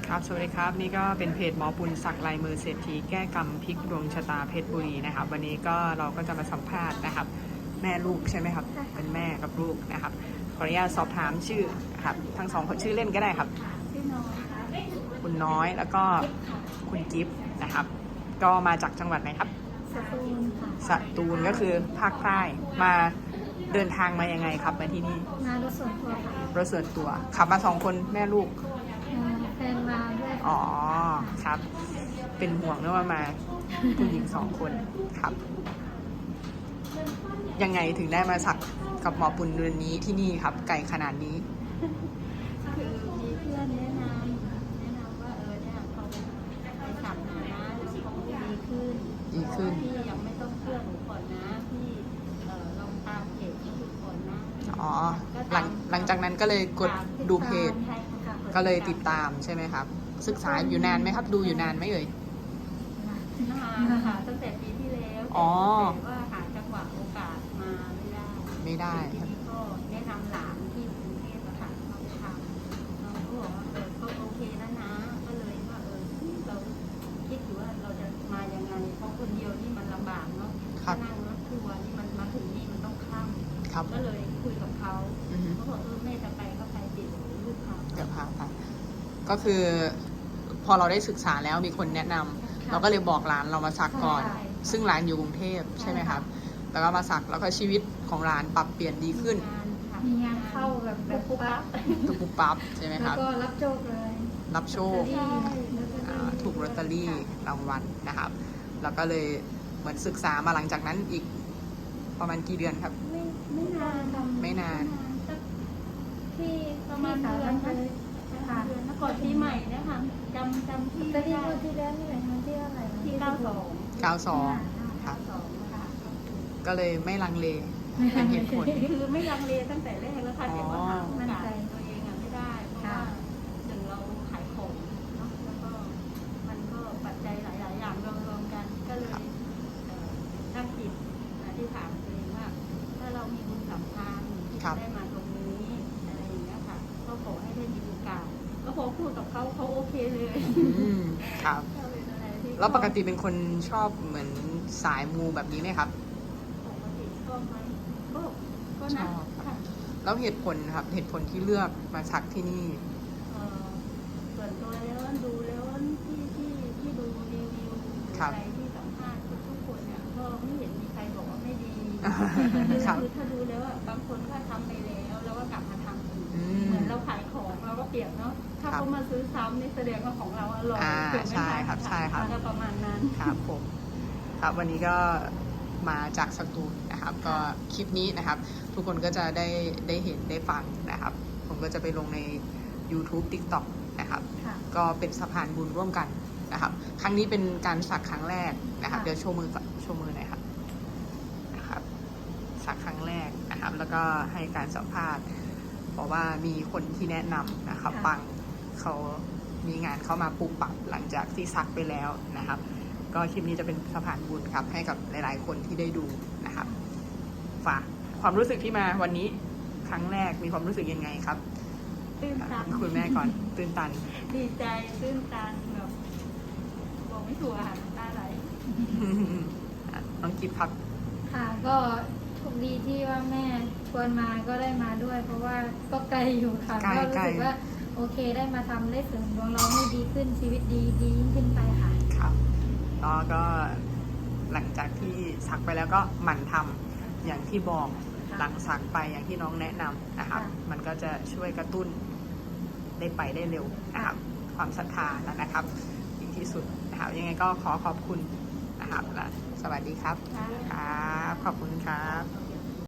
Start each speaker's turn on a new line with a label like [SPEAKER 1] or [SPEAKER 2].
[SPEAKER 1] ครับสวัสดีครับนี่ก็เป็นเพจหมอปุณศักดิ์ลายมือเศรษฐีแก้กรรมพลิกดวงชะตาเพชรบุรีนะครับวันนี้ก็เราก็จะมาสัมภาษณ์นะครับแม่ลูกใช่ไหมครับเป็นแม่กับลูกนะครับขออนุญาตสอบถามชื่อครับทั้งสองคนชื่อเล่นก็ได้ครับ
[SPEAKER 2] พี่น้อยค่ะ
[SPEAKER 1] คุณน้อยแล้วก็คุณกิฟต์นะครับก็มาจากจังหวัดไหนครับ
[SPEAKER 2] สตูลค่ะ
[SPEAKER 1] สตูลก็คือภาคใต้มาเดินทางมายังไงครับมาที่นี่
[SPEAKER 2] มารถส่วนตัวค่ะ
[SPEAKER 1] รถส่วนตัวขับมา2 คนแม่ลูก
[SPEAKER 2] แฟนมาด้วย
[SPEAKER 1] อ๋อครับเป็นห่วงเรื่องว่ามาผู้หญิง2 คนครับยังไงถึงได้มาสักกับหมอปุณเดือนนี้ที่นี่ครับไกลขนาดนี้
[SPEAKER 2] คือมีเพื่อนแนะนำว่าเนี่ยเขาไปสักหน่อยนะเดี๋ยวเขาดีขึ้นพี่ยังไม่ต้องเชื่อหนูก่อนนะพี่ลองตามเพจที่ดูก่อนนะ
[SPEAKER 1] อ๋อหลังจากนั้นก็เลยกดดูเพจก็เลยติดตามใช่ไหมครับศึกษาอยู่นานไหมครับดูอยู่นานไหมเอ่ย
[SPEAKER 2] นานค่ะตั้งแต่ปีที่แล้วแต่ว่าหาจังหวะโอกาสมาไม่ได้ทีนี้ก็แนะนำหลานที่กรุงเทพอะค่ะมาทำเราก็บอกว่าก็โอเคแล้วนะก็เลยว่าเราคิดอยู่ว่าเราจะมายังไงเพราะคนเดียวนี่มันลำบากเนาะนั่งรถทัวร์นี่มันมาถึงนี่มันต้องข้ามก็เลยคุยกับเขาเขาบอกแม่จะไปก็ไปติดลูกเขา
[SPEAKER 1] เดี๋ยวพาไปก็คือพอเราได้ศึกษาแล้วมีคนแนะนำเราก็เลยบอกร้านเรามาสักก่อนซึ่งร้านอยู่กรุงเทพใช่ไหมครับแล้วก็มาสักแล้วก็ชีวิตของร้านปรับเปลี่ยนดีขึ้น
[SPEAKER 2] มีงานเข้าแบบปุ๊บปั๊บ
[SPEAKER 1] ปุ๊บปั๊บใช่ไหมครับ
[SPEAKER 2] แล้วก็รับโชคเลย
[SPEAKER 1] รับโชคถูกลอตเตอรี่รางวัลนะครับแล้วก็เลยเหมือนศึกษามาหลังจากนั้นอีกประมาณกี่เดือนครับ
[SPEAKER 2] ไม่นานที่ประมาณเดือนนะก่อนปีใหม่เนี่ยค่ะจำที่ได้ที่แล้วนี่แหละที่อะไรที่
[SPEAKER 1] 92ครับก็เลยไม่ลังเลเป็นเหตุผล
[SPEAKER 2] คือไม่ลังเลตั้งแต่แรกแล้วค่ะแต่ว่าหาโอกาสตัวเองไม่ได้เพราะว่าหนึ่งเราขายของเนาะแล้วก็มันก็ปัจจัยหลายๆอย่างรวมกันก็เลยตั้งจิตที่ถามตัวเองว่าถ้าเรามีบุญสัมพันธ์ได้มาตรงนี้อะไรอย่างเงี้ยค่ะก็ขอให้ได้มีโอกาสก็พอพูดกับเขาโอเคเลย
[SPEAKER 1] ครับแล้วปกติเป็นคนชอบเหมือนสายมูแบบนี้ไหมครับ
[SPEAKER 2] ปกติชอบไหมก็ชอบ
[SPEAKER 1] แล้วเหตุผลครับเหตุผลที่เลือกมาสักที่นี่
[SPEAKER 2] ส่วนตัวแล้วดูแล้วที่ดูรีวิวอะไรที่สัมภาษณ์ทุกคนเนี่ยก็ไม่เห็นมีใครบอกว่าไม่ดีคือถ้าดูแล้วบางคนก็ทำไปแล้วก็กลับมาทำอีกเหมือนเราขายของเราก็เปรียบเนาะถ้าเขามาซื้อซ้ำนี่แสดงว่าของเราอร่อย
[SPEAKER 1] ใช่ครับใช่ครับ
[SPEAKER 2] ประมาณนั้น
[SPEAKER 1] ครับผมครับวันนี้ก็มาจากสตูลนะครับก็คลิปนี้นะครับทุกคนก็จะได้เห็นได้ฟังนะครับผมก็จะไปลงใน YouTube TikTok นะครับก็เป็นสะพานบุญร่วมกันนะครับครั้งนี้เป็นการสักครั้งแรกนะครับเดี๋ยวโชว์มือหน่อยครับนะครับสักครั้งแรกนะครับแล้วก็ให้การสัมภาษณ์เพราะว่ามีคนที่แนะนำนะครับปังเขามีงานเข้ามาปลูกปักหลังจากที่ซักไปแล้วนะครับก็คลิปนี้จะเป็นสะพานบุญครับให้กับหลายๆคนที่ได้ดูนะครับฝากความรู้สึกที่มาวันนี้ครั้งแรกมีความรู้สึกยังไงครับ
[SPEAKER 2] ตื่นตัน
[SPEAKER 1] คุณแม่ก่อนตื่นตัน
[SPEAKER 2] ดีใจตื่นตันแบบบอกไม่ถูกค่ะตาไหล
[SPEAKER 1] น้องกิฟต์ครับ
[SPEAKER 2] ค่ะก็โชคดีที่ว่าแม่ชวนมาก็ได้มาด้วยเพราะว่าก็ไกลอยู่ค่ะก็รู้สึกว่าโอเคได้มาทำได้เสริมดวงเราให้ดีขึ้นชีวิตดียิ่งขึ้นไปค่ะ
[SPEAKER 1] ครับแล้วก็หลังจากที่สักไปแล้วก็หมั่นทำอย่างที่บอกหลังสักไปอย่างที่น้องแนะนำนะครับมันก็จะช่วยกระตุ้นได้ไปได้เร็วนะครับความศรัทธาแล้วนะครับดีที่สุดนะครับยังไงก็ขอบคุณนะครับและสวัสดีครับครับขอบคุณครับ